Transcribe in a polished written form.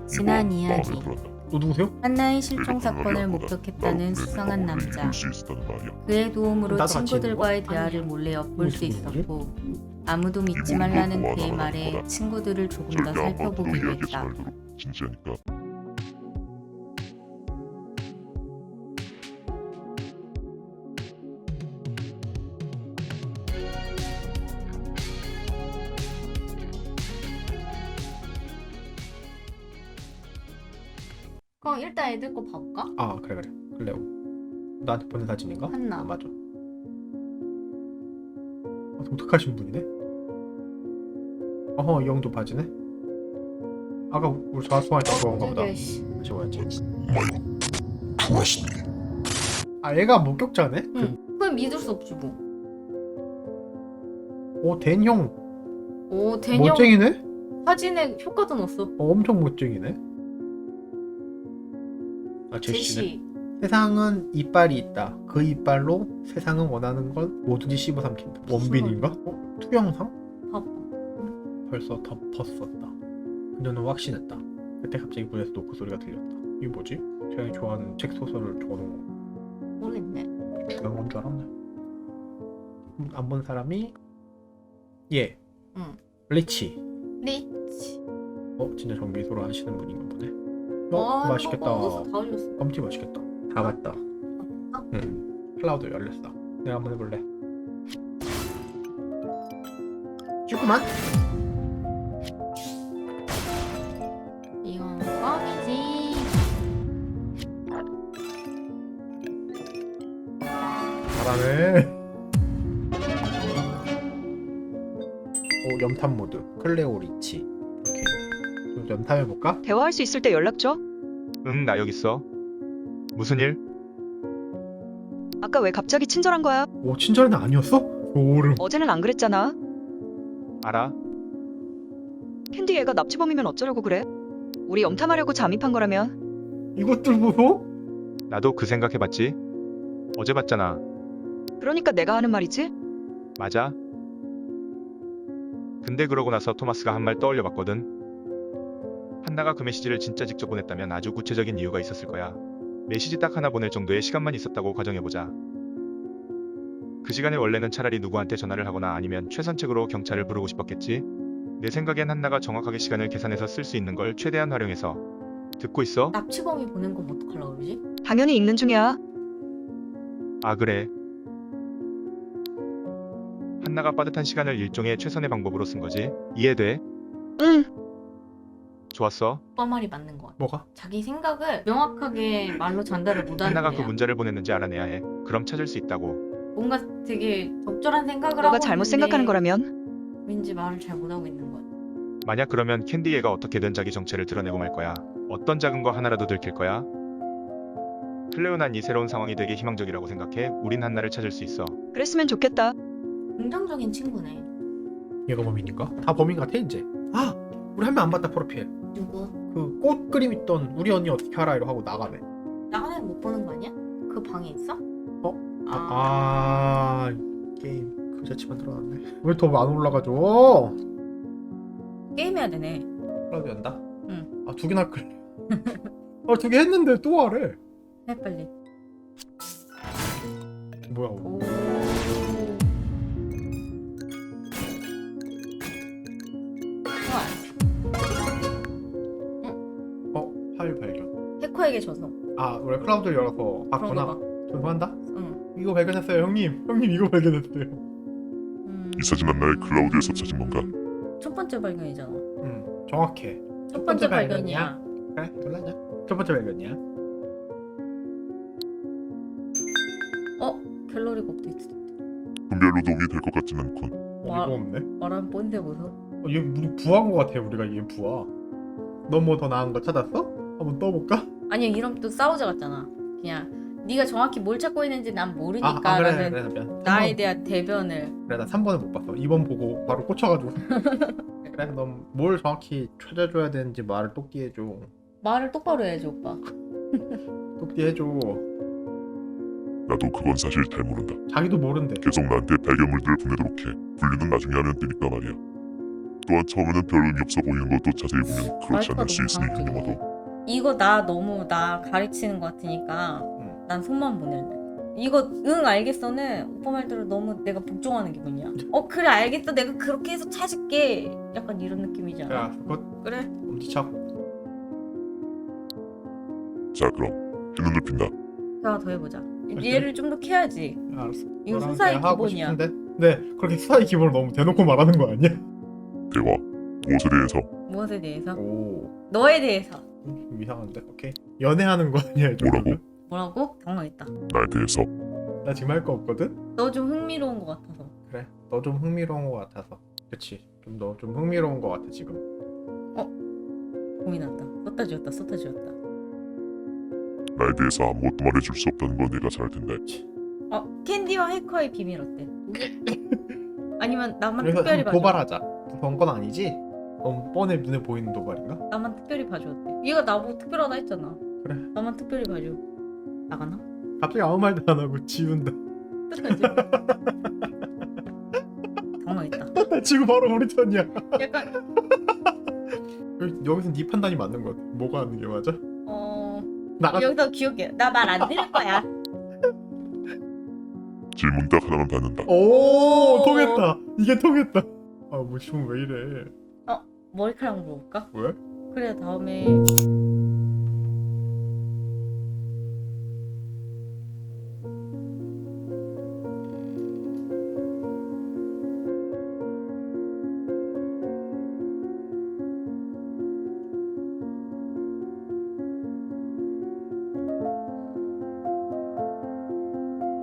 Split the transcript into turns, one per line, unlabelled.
지난 이야기.
너 누구세요?
한나의 실종 사건을 목격했다는 수상한 남자. 그의 도움으로
나도 같이
친구들과의 대화를 몰래 엿볼 수 있었고 아무도 믿지 말라는 그의 말에 친구들을 조금 더 살펴보기로 했다.
진지하니까.
그럼 일단 애들 거 봐볼까?
아 그래 클레오. 나한테 보낸 사진인가?
한나.
아, 맞아. 독특하신 분이네. 어허, 이 형도 바지네. 아까 우리 전화통화할 때 그건가 보다. 다시 봐야지. 아 얘가 목격자네?
응. 그건 믿을 수 없지 뭐.
오 댄형
오 대녀
멋쟁이네?
사진에 효과도 넣었어.
엄청 멋쟁이네. 아 제시네.
제시.
세상은 이빨이 있다. 그 이빨로 세상은 원하는 걸 뭐든지 씹어 삼킨다. 원빈인가? 투영상?
봐봐.
벌써 덮었었다. 그녀는 확신했다. 그때 갑자기 문에서 노크 소리가 들렸다. 이게 뭐지? 제가 좋아하는 책 소설을 적어놓은 거.
모르겠네.
중요한 건 줄 알았네. 안 본 사람이 얘.
응.
리치.
리치.
진짜 정비소를 하시는 분인가 보네.
와,
맛있겠다.
이거 다 올렸어.
껌티 맛있겠다. 다 맞다. 응. 클라우드 열렸어. 내가 한번 해볼래. 조그만.
이건 껌이지.
잘하네. 오 염탐 모드. 클레오 리치. 오케이. 좀 염탐해볼까?
대화할 수 있을 때 연락 줘.
응, 나 여기 있어. 무슨 일?
아까 왜 갑자기 친절한 거야?
오 친절한 애 아니었어? 오름.
어제는 안 그랬잖아.
알아?
캔디 얘가 납치범이면 어쩌려고 그래? 우리 염탐하려고 잠입한 거라면.
이것들 보소?
나도 그 생각해봤지. 어제 봤잖아.
그러니까 내가 하는 말이지.
맞아. 근데 그러고 나서 토마스가 한 말 떠올려봤거든. 한나가 그 메시지를 진짜 직접 보냈다면 아주 구체적인 이유가 있었을 거야. 메시지 딱 하나 보낼 정도의 시간만 있었다고 가정해보자. 그 시간에 원래는 차라리 누구한테 전화를 하거나 아니면 최선책으로 경찰을 부르고 싶었겠지. 내 생각엔 한나가 정확하게 시간을 계산해서 쓸 수 있는 걸 최대한 활용해서. 듣고 있어?
납치범이 보낸 건 어떡하려고 그러지?
당연히 읽는 중이야.
아 그래. 한나가 빠듯한 시간을 일종의 최선의 방법으로 쓴 거지. 이해돼?
응.
좋았어.
오빠 말이 맞는 것 같아.
뭐가?
자기 생각을 명확하게 말로 전달을 못하는
한나가 그
거야.
문자를 보냈는지 알아내야 해. 그럼 찾을 수 있다고.
뭔가 되게 적절한 생각을
너가
하고
잘못
있는데
생각하는 거라면.
왠지 말을 잘 못하고 있는 거야.
만약 그러면 캔디 얘가 어떻게든 자기 정체를 드러내고 말 거야. 어떤 작은 거 하나라도 들킬 거야. 클레오 난 이 새로운 상황이 되게 희망적이라고 생각해. 우린 한나를 찾을 수 있어.
그랬으면 좋겠다.
긍정적인 친구네.
얘가 범인인가? 다 범인 같아 이제. 아 우리 한 명 안 봤다 프로필.
누구?
그 꽃 그림 있던 우리 언니 어떻게 알아 이러고 하고 나가네.
나가는 못 보는 거 아니야? 그 방에 있어?
게임 그 자체만 들어놨네. 왜 더 안 올라가죠?
게임해야 되네.
클라우드 연다?
응.
아 두 개나 끌. 두 개 했는데 또 하래.
해 빨리.
뭐야?
오. 좋아.
파일 발견.
해커에게 줘서.
아 우리 클라우드를 열어서 봤구나.
그런가 봐.
전송한다?
응.
이거 발견했어요 형님. 형님 이거 발견했어요.
이 사진 한나의 클라우드에서 찾은 건가?
첫 번째 발견이잖아.
정확해.
첫 번째 발견이야.
그래 놀라냐? 첫 번째 발견이야.
갤러리가 업데이트.
분별로 도움이 될 것 같진 않군.
와.
어이가 없네.
말하면 꼰대 보소.
얘 우리 부한 거 같아. 우리가 얘 부하. 너 뭐 더 나은 거 찾았어? 한번 떠볼까?
아니 이러면 또 싸우자 같잖아. 그냥 네가 정확히 뭘 찾고 있는지 난 모르니까
그래
라는
미안.
나에 대한 대변을.
그래 나 3번을 못 봤어. 2번 보고 바로 꽂혀가지고. 그래 넌 뭘 정확히 찾아줘야 되는지 말을 똑띠 해줘.
말을 똑바로 해야지 오빠.
똑띠 해줘.
나도 그건 사실 잘 모른다.
자기도 모른대.
계속 나한테 발견물들을 보내도록 해. 분류는 나중에 하면 되니까 말이야. 또한 처음에는 별 의미 없어 보이는 것도 자세히 보면 그렇지
말투가
않을 수
너무
있으니
강압적이네.
인정하도.
이거 나 너무 나 가르치는 것 같으니까 난 손만 보낼래. 이거 응 알겠어는 오빠 말대로 너무 내가 복종하는 기분이야. 그래 알겠어 내가 그렇게 해서 찾을게. 약간 이런 느낌이지 않아?
야 그것
그래.
엄지척.
자 그럼 해눈을 핀다.
대화 더 해보자. 얘를 좀 더 캐야지.
알았어.
이거
너랑
수사의
대화하고
기본이야.
싶은데? 네 그렇게 수사의 기본을 너무 대놓고 말하는 거 아니야?
대화. 무엇에 대해서?
무엇에 대해서?
오
너에 대해서.
좀 이상한데? 오케이 연애하는 거 아니야 이 정도면?
뭐라고? 당황했다.
나에 대해서.
나 지금 할 거 없거든?
너 좀 흥미로운 것 같아서.
그래 너 좀 흥미로운 거 같아서. 그치 좀 너 좀 흥미로운 거 같아 지금.
고민한다. 썼다 지웠다 썼다 지웠다.
나에 대해서 아무것도 말해줄 수 없다는 건 내가 잘 알 텐데.
캔디와 해커의 비밀 어때? 아니면 나만
그래서
특별히
한번
봐줘.
도발하자. 무서운 건 아니지? 너무 뻔해 눈에 보이는 도발인가?
나만 특별히 봐줘 어때? 얘가 나보고 특별하다 했잖아.
그래.
나만 특별히 봐줘. 나가나?
갑자기 아무 말도 안 하고 지운다.
뜻하지? 당황했다.
나 지금 바로 우리 편이야.
약간
여기서 네 판단이 맞는 거 같아. 뭐가 하는 게 맞아? 나가.
여기서 기억해. 나 말 안 들을 거야.
질문 딱 하나만 받는다.
오 통했다. 이게 통했다. 아 뭐 지금 왜 이래?
머리카락 물어볼까?
왜?
그래 다음에